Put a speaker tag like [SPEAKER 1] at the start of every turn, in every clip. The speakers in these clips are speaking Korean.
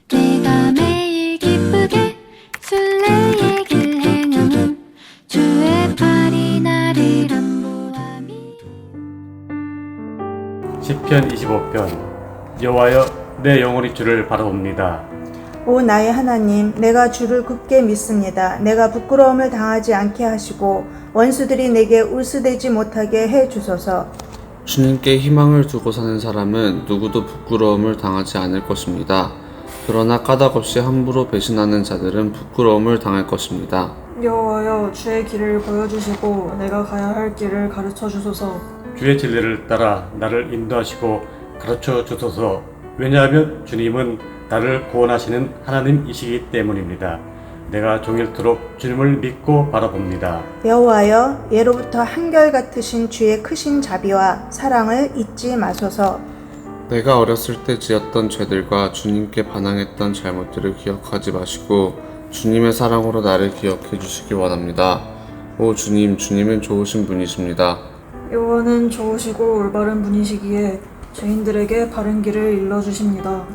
[SPEAKER 1] 내가 매일 기쁘게 순례의 길 행함은 주의 팔이 나를 안보함이.
[SPEAKER 2] 시편 25편. 여호와여, 내 영혼이 주를 바라봅니다.
[SPEAKER 3] 오 나의 하나님, 내가 주를 굳게 믿습니다. 내가 부끄러움을 당하지 않게 하시고 원수들이 내게 울수되지 못하게 해 주소서.
[SPEAKER 4] 주님께 희망을 두고 사는 사람은 누구도 부끄러움을 당하지 않을 것입니다. 그러나 까닭없이 함부로 배신하는 자들은 부끄러움을 당할 것입니다.
[SPEAKER 5] 여호와여, 주의 길을 보여주시고 내가 가야 할 길을 가르쳐 주소서.
[SPEAKER 2] 주의 진리를 따라 나를 인도하시고 가르쳐 주소서. 왜냐하면 주님은 나를 구원하시는 하나님이시기 때문입니다. 내가 종일토록 주님을 믿고 바라봅니다.
[SPEAKER 3] 여호와여, 예로부터 한결같으신 주의 크신 자비와 사랑을 잊지 마소서.
[SPEAKER 4] 내가 어렸을 때 지었던 죄들과 주님께 반항했던 잘못들을 기억하지 마시고 주님의 사랑으로 나를 기억해 주시기 원합니다. 오 주님, 주님은 좋으신 분이십니다.
[SPEAKER 5] 여호와는 좋으시고 올바른 분이시기에 죄인들에게 바른 길을 일러주십니다.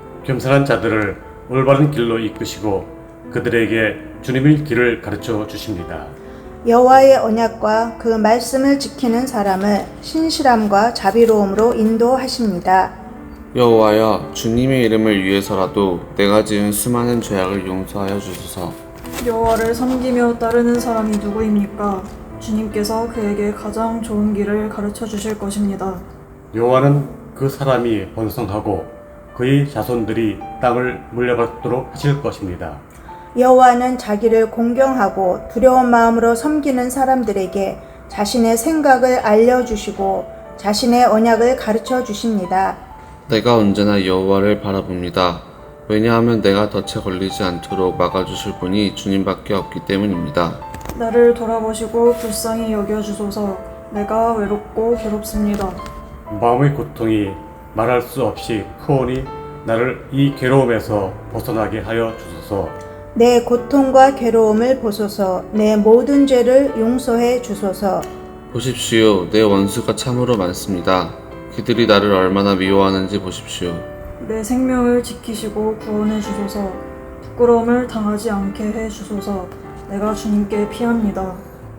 [SPEAKER 2] 겸손한 자들을 올바른 길로 이끄시고 그들에게 주님의 길을 가르쳐 주십니다.
[SPEAKER 3] 여호와의 언약과 그 말씀을 지키는 사람을 신실함과 자비로움으로 인도하십니다.
[SPEAKER 4] 여호와여, 주님의 이름을 위해서라도 내가 지은 수많은 죄악을 용서하여 주소서.
[SPEAKER 5] 여호와를 섬기며 따르는 사람이 누구입니까? 주님께서 그에게 가장 좋은 길을 가르쳐 주실 것입니다.
[SPEAKER 2] 여호와는 그 사람이 번성하고 그의 자손들이 땅을 물려받도록 하실 것입니다.
[SPEAKER 3] 여호와는 자기를 공경하고 두려운 마음으로 섬기는 사람들에게 자신의 생각을 알려주시고 자신의 언약을 가르쳐 주십니다.
[SPEAKER 4] 내가 언제나 여호와를 바라봅니다. 왜냐하면 내가 덫에 걸리지 않도록 막아주실 분이 주님밖에 없기 때문입니다.
[SPEAKER 5] 나를 돌아보시고 불쌍히 여겨주소서. 내가 외롭고 괴롭습니다.
[SPEAKER 2] 마음의 고통이 말할 수 없이 크오니 나를 이 괴로움에서 벗어나게 하여 주소서.
[SPEAKER 3] 내 고통과 괴로움을 보소서. 내 모든 죄를 용서해 주소서.
[SPEAKER 4] 보십시오, 내 원수가 참으로 많습니다. 그들이 나를 얼마나 미워하는지 보십시오.
[SPEAKER 5] 내 생명을 지키시고 구원해 주소서. 부끄러움을 당하지 않게 해 주소서. 내가 주님께 피합니다.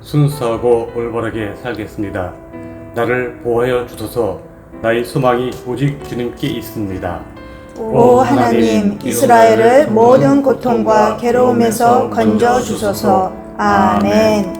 [SPEAKER 2] 순수하고 올바르게 살겠습니다. 나를 보호하여 주소서. 나의 소망이 오직 주님께 있습니다.
[SPEAKER 3] 오 하나님, 이스라엘을 모든 고통과 괴로움에서 건져 주소서. 아멘.